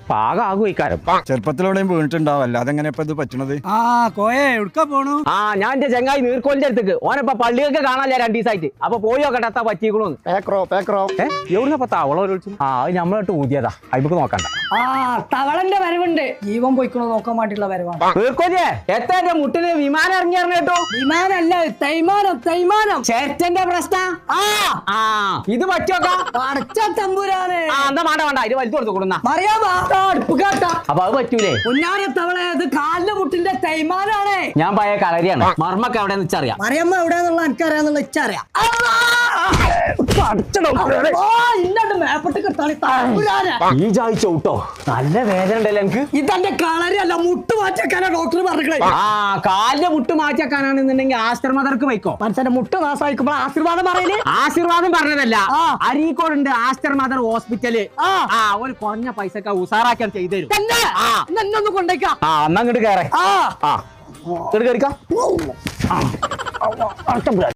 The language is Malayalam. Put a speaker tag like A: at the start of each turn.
A: പാകാകും.
B: ചെറുപ്പത്തിലൂടെയും വീണിട്ടുണ്ടാവും, അല്ലാതെ എങ്ങനെ ഇപ്പൊ ഇത് പറ്റണത്?
A: ഞാൻ എന്റെ ചെങ്ങായി നീർക്കോലിന്റെ അടുത്തേക്ക് ഓനപ്പ പള്ളിയൊക്കെ കാണാല്ലേ 2 ദിവസമായിട്ട്. അപ്പൊ പോയി നോക്കട്ടെ എത്താ പറ്റിക്കണോന്ന്. എവിടുന്നപ്പ തവള വിളിച്ചു? അത് നമ്മളോട്ട് ഊതിയതാ, അയ്മക്ക് നോക്കണ്ട.
C: തവളന്റെ വരവുണ്ട്, ജീവൻ പോയിക്കണോ നോക്കാൻ വേണ്ടിയുള്ള വരവാണ്.
A: നീർക്കോലിയെ എത്താ എന്റെ മുട്ടിന് വിമാനം ഇറങ്ങി കേട്ടോ.
C: വിമാനല്ല, തൈമാനം.
A: ചേട്ടന്റെ പ്രശ്നം. ഇത് പറ്റോക്കാ
C: അടച്ച തമ്പുരാനെ.
A: എന്താ വേണ്ട ഇത് വലിച്ചു കൊടുത്തു കൊടുന്ന അപ്പൊ അത് പറ്റൂലേ?
C: പൊന്നാര തവള, ഇത് കാലിന്റെ മുട്ടിന്റെ തൈമാനാണ്.
A: ഞാൻ പഴയ കളരിയാണ്. മർമ്മക്ക് എവിടെ വെച്ചറിയാം.
C: മറിയമ്മ എവിടെന്നുള്ള എനിക്കറിയാന്നുള്ള ഇച്ചറിയാം.
A: ഈ ചായച്ചോട്ടോ നല്ല വേദന ഉണ്ടല്ലോ എനിക്ക്.
C: ഇതെന്റെ കളരിയല്ല, മുട്ട് മാറ്റിയാക്കാനാ ഡോക്ടർ പറഞ്ഞത്.
A: കാലിന്റെ മുട്ട് മാറ്റിയാക്കാനാണെന്നുണ്ടെങ്കിൽ ആസ്റ്റർമദർക്ക് വയ്ക്കോ.
C: മനുഷ്യന്റെ മുട്ട് നാശമായിക്കുമ്പോ ആശീർവാദം പറയല്.
A: ആശീർവാദം പറഞ്ഞതല്ല, അരീക്കോടുണ്ട് ആസ്റ്റർമദർ ഹോസ്പിറ്റല്. ഒരു കുറഞ്ഞ പൈസക്ക് ഉസാറാക്കാൻ ചെയ്തു തരും.
C: എന്നൊന്ന് കൊണ്ടേക്കാം.
A: എന്നാ അങ്ങോട്ട് കേറേ.